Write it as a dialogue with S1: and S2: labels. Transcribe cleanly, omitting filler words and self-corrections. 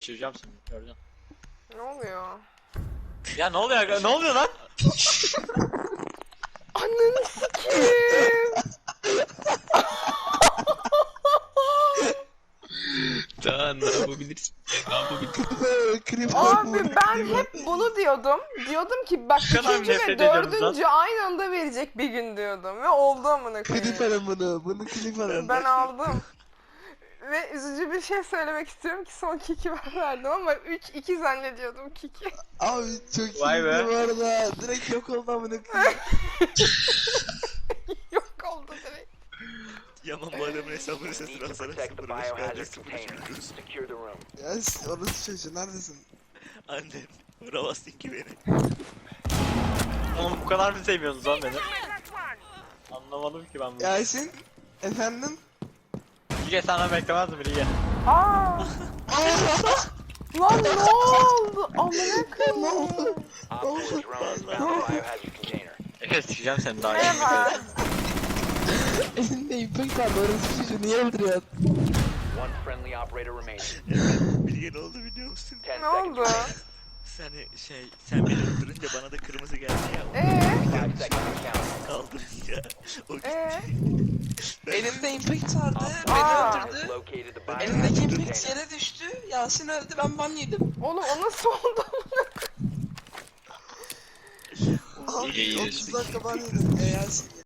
S1: Çizeceğim seni, gördün.
S2: Ne oluyor?
S1: Ya ne oluyor? Ne oluyor lan?
S2: Ananı sikeyim.
S3: Daha ne yapabilirsin? Ne yapabilirsin?
S2: Abi ben hep bunu diyordum. Diyordum ki bak
S1: Ne kadar
S2: 3.
S1: nefret
S2: ve
S1: ediyorsunuz lan?
S2: 4. aynı anda verecek bir gün diyordum. Ve oldu amına
S4: Klip
S2: koyayım.
S4: alın bunu. Bunu klip alın.
S2: Ben aldım. Ve üzücü bir şey söylemek istiyorum ki son kiki ben verdim ama 3-2 zannediyordum kiki.
S4: Abi çok
S1: Vay
S4: iyiydi
S1: be.
S4: bu arada. Direkt yok oldu amına koyayım.
S2: Yok oldu direkt.
S5: Yaman bu adamın hesabını
S6: Need
S5: sesini
S6: to
S5: alsana
S6: protect the
S5: 0-5
S6: biohazard
S5: bence 0-3
S6: container.
S5: biliyoruz.
S6: Secure the room.
S4: Ya orası çocuğu neredesin?
S5: Annem vuramazsın ki beni.
S1: Oğlum bu kadar mı seviyorsunuz lan beni? Anlamadım ki ben bunu.
S4: Yasin. Efendim?
S1: Lige senden beklemezdim Lige.
S2: Aa! Lan ne oldu? Amına koyayım.
S6: Op 4 drone has found the biohazard container.
S1: Evet sikeceğim seni daha iyi.
S2: Merhaba.
S4: Elinde impact var. Orası çocuğu niye öldürüyorsun?
S6: One friendly operator remaining.
S5: Bilge ne oldu biliyor musun?
S6: 10
S2: Ne
S6: seconds
S2: oldu?
S5: Sen beni öldürünce bana da kırmızı geldi ya.
S6: 5 seconds to count.
S5: Kaldırınca o gitti.
S4: Elinde impact vardı.
S2: Aa.
S4: Beni
S6: Has
S4: öldürdü.
S6: located the biohazard
S4: Elindeki impact
S6: container.
S4: yere düştü. Yasin öldü. Ben ban yedim.
S2: Oğlum o nasıl oldu?
S4: Abi
S3: İyi, iyi.
S4: 30 dakika ban yedim ya Yasin.